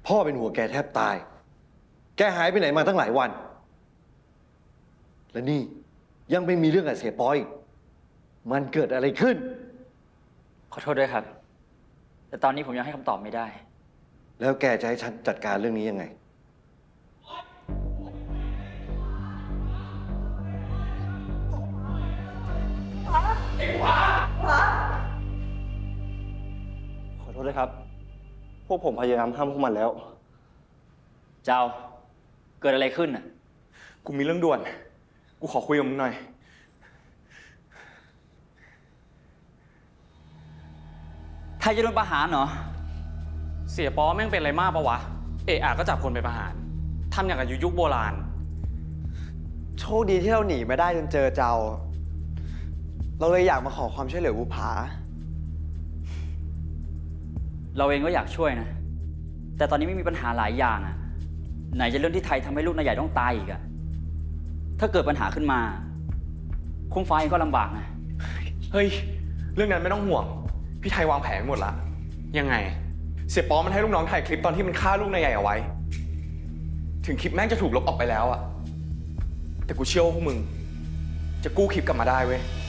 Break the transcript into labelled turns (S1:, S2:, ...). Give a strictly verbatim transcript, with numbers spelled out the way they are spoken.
S1: พ่อเป็นหัวแกแทบตาย แกหายไปไหนมาตั้งหลายวัน และนี่ยังไม่มีเรื่องกับเสียปอยอีกมันเกิดอะไรขึ้น
S2: ขอโทษด้วยครับ แต่ตอนนี้ผมยังให้คำตอบไม่ได้
S1: แล้วแกจะให้ฉันจัดการเรื่องนี้ยังไง
S3: ขอโทษด้วยครับ พวกผมพยายามห้ามพวกมันแล้ว
S2: เจ้า เกิดอะไรขึ้นอ่ะ
S4: กูมีเรื่องด่วน กูขอคุยกับมึงหน่อย
S2: ไทยจะโดนประหารเหรอ
S5: เสียป๊อแม่งเป็นอะไรมากปะวะ เอะอะก็จับคนไปประหาร ทำอย่างกับยุคโบราณ
S3: โชคดีที่เราหนีมาได้จนเจอเจ้า เราเลยอยากมาขอความช่วยเหลือบุผา
S2: เราเองก็อยากช่วยนะ แต่ตอนนี้ไม่มีปัญหาหลายอย่างอ่ะ ไหนจะเรื่องที่ไทยทำให้ลูกนายใหญ่ต้องตายอีกอ่ะ ถ้าเกิดปัญหาขึ้นมา คุ้มฟ้าเองก็ลำบากนะ
S4: เฮ้ย เรื่องนั้นไม่ต้องห่วง พี่ไทยวางแผนหมดละ
S5: ยังไง
S4: เสียป๊อมันให้ลูกน้องถ่ายคลิปตอนที่มันฆ่าลูกนายใหญ่เอาไว้ ถึงคลิปแม่งจะถูกลบออกไปแล้วอะแต่กูเชื่อว่าพวกมึง จะกู้คลิปกลับมาได้เว้ย